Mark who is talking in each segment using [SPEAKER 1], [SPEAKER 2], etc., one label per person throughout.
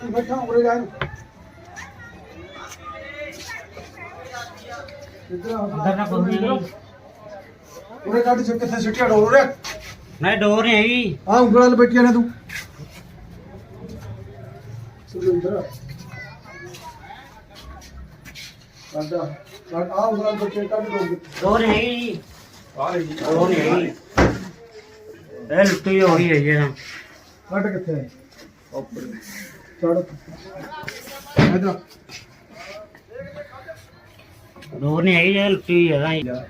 [SPEAKER 1] बैठा उरे जाए उरे काट से किथे सिटिया डोर रे
[SPEAKER 2] नहीं डोर नहीं हैगी
[SPEAKER 1] आ उंगल बैठी ने तू सुरेंद्र काटा काट आ उंगल बैठी काट
[SPEAKER 2] डोर नहीं हैगी
[SPEAKER 1] आ रही
[SPEAKER 2] डोर नहीं हैगी ए लुट्टी हो रही है ये ना
[SPEAKER 1] काट किथे ऊपर चढ़ इधर
[SPEAKER 2] डोर नहीं हैगी ये लुट्टी है ना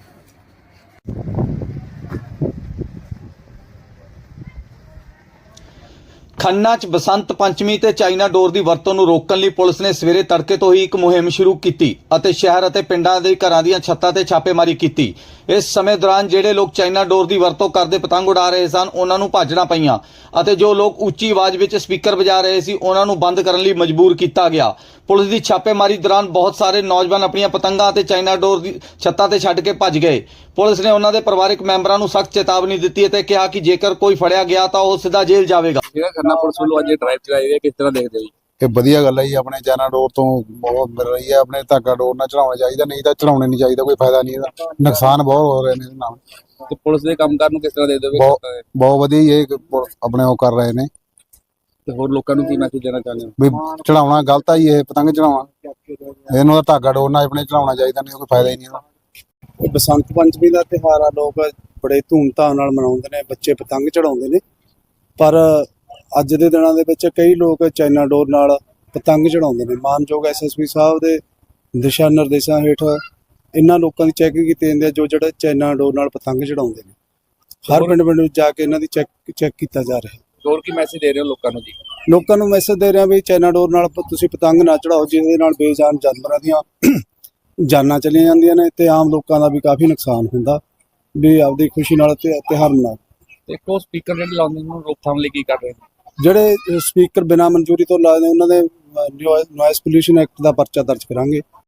[SPEAKER 3] ਖੰਨਾ 'ਚ ਬਸੰਤ ਪੰਚਮੀ ਤੇ ਚਾਈਨਾ ਡੋਰ ਦੀ ਵਰਤੋਂ ਨੂੰ ਰੋਕਣ ਲਈ ਪੁਲਿਸ ਨੇ ਸਵੇਰੇ ਤੜਕੇ ਤੋਂ ਹੀ ਇੱਕ ਮੁਹਿੰਮ ਸ਼ੁਰੂ ਕੀਤੀ ਅਤੇ ਸ਼ਹਿਰ ਅਤੇ ਪਿੰਡਾਂ ਦੇ ਘਰਾਂ ਦੀਆਂ ਛੱਤਾਂ ਤੇ ਛਾਪੇਮਾਰੀ ਕੀਤੀ। ਇਸ ਸਮੇਂ ਦੌਰਾਨ ਜਿਹੜੇ ਲੋਕ ਚਾਈਨਾ ਡੋਰ ਦੀ ਵਰਤੋਂ ਕਰਦੇ ਪਤੰਗ ਉਡਾ ਰਹੇ ਸਨ ਉਹਨਾਂ ਨੂੰ ਭਾਜਣਾ ਪਈਆਂ ਅਤੇ ਜੋ ਲੋਕ ਉੱਚੀ ਆਵਾਜ਼ ਵਿੱਚ ਸਪੀਕਰ ਵਜਾ ਰਹੇ ਸੀ ਉਹਨਾਂ ਨੂੰ ਬੰਦ ਕਰਨ ਲਈ ਮਜਬੂਰ ਕੀਤਾ ਗਿਆ। ਪੁਲਿਸ ਦੀ ਛਾਪੇਮਾਰੀ ਦੌਰਾਨ ਬਹੁਤ ਸਾਰੇ ਨੌਜਵਾਨ ਆਪਣੀਆਂ ਪਤੰਗਾਂ ਅਤੇ ਚਾਈਨਾ ਡੋਰ ਦੀ ਛੱਤਾਂ ਤੇ ਛੱਡ ਕੇ ਭੱਜ ਗਏ। ਪੁਲਿਸ ਨੇ ਉਹਨਾਂ ਦੇ ਪਰਿਵਾਰਕ ਮੈਂਬਰਾਂ ਨੂੰ ਸਖਤ ਚੇਤਾਵਨੀ ਦਿੱਤੀ ਅਤੇ ਕਿਹਾ ਕਿ ਜੇਕਰ ਕੋਈ ਫੜਿਆ ਗਿਆ ਤਾਂ ਉਹ ਸਿੱਧਾ ਜੇਲ੍ਹ ਜਾਵੇਗਾ।
[SPEAKER 4] ਜਿਹੜਾ ਖੰਨਾ ਪੁਲਿਸ ਵੱਲੋਂ ਅੱਜ ਡਰਾਈਵ ਚਲਾਈ ਹੈ ਕਿਸ ਤਰ੍ਹਾਂ ਦੇਖਦੇ ਹੋ ਜੀ?
[SPEAKER 5] ਇਹ ਵਧੀਆ ਗੱਲ ਹੈ ਜੀ। ਆਪਣੇ ਚਾਈਨਾ ਡੋਰ ਤੋਂ ਬਹੁਤ ਮਿਲ ਰਹੀ ਹੈ। ਆਪਣੇ ਧਾਗਾ ਡੋਰ ਨਾਲ ਚੜਾਉਣਾ ਚਾਹੀਦਾ, ਨਹੀਂ ਤਾਂ ਚੜਾਉਣੇ ਨਹੀਂ ਚਾਹੀਦਾ, ਕੋਈ ਫਾਇਦਾ ਨਹੀਂ ਇਹਦਾ, ਨੁਕਸਾਨ ਬਹੁਤ ਹੋ ਰਹੇ ਨੇ ਇਹਦੇ ਨਾਲ।
[SPEAKER 4] ਤੇ ਪੁਲਿਸ ਦੇ ਕੰਮਕਾਰ ਨੂੰ ਕਿਸ ਤਰ੍ਹਾਂ ਦੇਖਦੇ ਹੋ?
[SPEAKER 5] ਬਹੁਤ ਵਧੀਆ ਜੀ, ਇਹ ਆਪਣੇ ਉਹ ਕਰ ਰਹੇ ਨੇ।
[SPEAKER 4] ਤੇ ਹੋਰ ਲੋਕਾਂ ਨੂੰ ਕੀ ਮੈਸੇਜ ਦੇਣਾ ਚਾਹੁੰਦੇ ਹੋ?
[SPEAKER 5] ਵੀ ਚੜਾਉਣਾ ਗਲਤ ਆ ਜੀ, ਇਹ ਪਤੰਗ ਚੜਾਉਣਾ ਇਹਨੂੰ ਤਾਂ ਧਾਗਾ ਡੋਰ ਨਾਲ ਆਪਣੇ ਚੜਾਉਣਾ ਚਾਹੀਦਾ, ਨਹੀਂ ਕੋਈ ਫਾਇਦਾ ਹੀ ਨਹੀਂ ਇਹਦਾ।
[SPEAKER 6] ਇਹ ਬਸੰਤ ਪੰਚਮੀ ਦਾ ਤਿਉਹਾਰ ਆ, ਲੋਕ ਬੜੇ ਧੂਮਧਾਮ ਨਾਲ ਮਨਾਉਂਦੇ ਨੇ, ਬੱਚੇ ਪਤੰਗ ਚੜਾਉਂਦੇ ਨੇ। ਪਰ ਅੱਜ ਦੇ ਦਿਨਾਂ ਦੇ ਵਿੱਚ ਕਈ ਲੋਕ ਚਾਈਨਾ ਡੋਰ ਨਾਲ ਪਤੰਗ ਚੜਾਉਂਦੇ ਨੇ। ਮਾਨਯੋਗ ਐਸਐਸਪੀ ਸਾਹਿਬ ਦੇ ਦਿਸ਼ਾ ਨਿਰਦੇਸ਼ਾਂ ਹੇਠ ਇਹਨਾਂ ਲੋਕਾਂ ਦੀ ਚੈਕਿੰਗ ਕੀਤੀ ਜਾਂਦੀ ਹੈ ਜੋ ਜਿਹੜੇ ਚਾਈਨਾ ਡੋਰ ਨਾਲ ਪਤੰਗ ਚੜਾਉਂਦੇ ਨੇ। ਹਰ ਪਿੰਡ ਵਿੱਚ ਜਾ ਕੇ ਇਹਨਾਂ ਦੀ ਚੈੱਕ ਕੀਤਾ ਜਾ ਰਿਹਾ ਹੈ।
[SPEAKER 4] ਹੋਰ ਕੀ ਮੈਸੇਜ ਦੇ ਰਹੇ ਹੋ ਲੋਕਾਂ ਨੂੰ ਜੀ?
[SPEAKER 6] ਲੋਕਾਂ ਨੂੰ ਮੈਸੇਜ ਦੇ ਰਿਹਾ ਵੀ ਚਾਈਨਾ ਡੋਰ ਨਾਲ ਤੁਸੀਂ ਪਤੰਗ ਨਾ ਚੜਾਓ, ਜਿਹਦੇ ਨਾਲ ਬੇਜਾਨ ਜਾਨਵਰਾਂ ਦੀਆਂ ਜਾਨਾਂ ਚਲੀਆਂ ਜਾਂਦੀਆਂ ਨੇ ਤੇ ਆਮ ਲੋਕਾਂ ਦਾ ਵੀ ਕਾਫੀ ਨੁਕਸਾਨ ਹੁੰਦਾ। ਵੀ ਆਪਦੀ ਖੁਸ਼ੀ ਨਾਲ ਤਿਉਹਾਰ ਮਨਾਓ।
[SPEAKER 4] ਦੇਖੋ ਸਪੀਕਰ ਜਿਹੜੇ ਲਾਉਂਦੇ ਨੇ ਰੋਕਥਾਮ ਲਈ ਕੀ ਕਰ ਰਹੇ ਨੇ?
[SPEAKER 6] ਜਿਹੜੇ ਸਪੀਕਰ ਬਿਨਾਂ ਮਨਜ਼ੂਰੀ ਤੋਂ ਲਾਏ ਨੇ ਉਹਨਾਂ ਦੇ ਨੋਇਸ ਪੋਲਿਊਸ਼ਨ ਐਕਟ ਦਾ ਪਰਚਾ ਦਰਜ ਕਰਾਂਗੇ।